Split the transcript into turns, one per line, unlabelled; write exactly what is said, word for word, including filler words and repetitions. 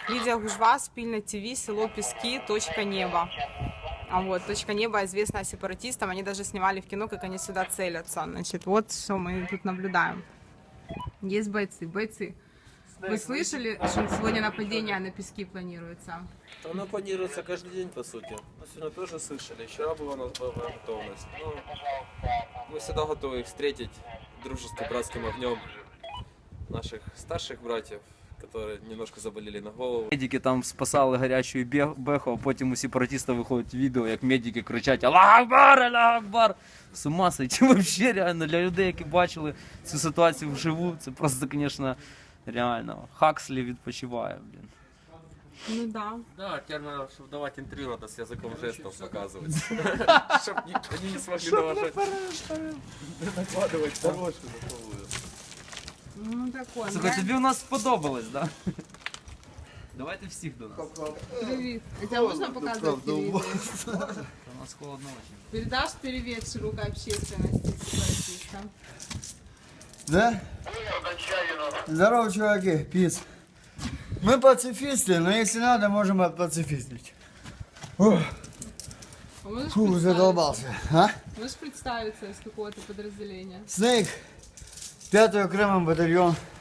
Лидия Гужва, Спильна ТВ, село Пески, точка неба. А вот, точка неба известна сепаратистам, они даже снимали в кино, как они сюда целятся. Значит, вот что мы тут наблюдаем. Есть бойцы, бойцы. Вы слышали, что сегодня нападение на Пески планируется?
Оно планируется каждый день, по сути. Мы сегодня тоже слышали. Вчера была у нас боевая готовность. Ну, мы всегда готовы их встретить дружеским братским огнем наших старших братьев, которые немножко заболели на голову.
Медики там спасали гарячу беху, а потім у сепаратиста виходить відео, як медики кричать «Аллах Акбар! Аллах Акбар!». З ума сойти вообще реально. Для людей, які бачили цю ситуацію вживу, це просто, звісно, реально. Хакслі відпочиває, блін.
Ну да.
Да, теперь надо, чтобы давать интервью, надо с языком жестов показывать. Чтобы они не смогли накладывать хорошую готовую.
Ну такое.
Слухай, тобі у нас сподобалось, да? Давайте всіх до нас.
Привет. А тебя можно показывать телевизор?
У нас холодно очень.
Передашь привет широкой общественности сепаратистам?
Да? Здорово, чуваки, пиц. Мы пацифисты, но если надо, можем отпацифистить. Ух,
А можешь
фу,
представиться?
задолбался. А?
Можешь представиться из какого-то подразделения?
Снейк, пятый окремый батальон,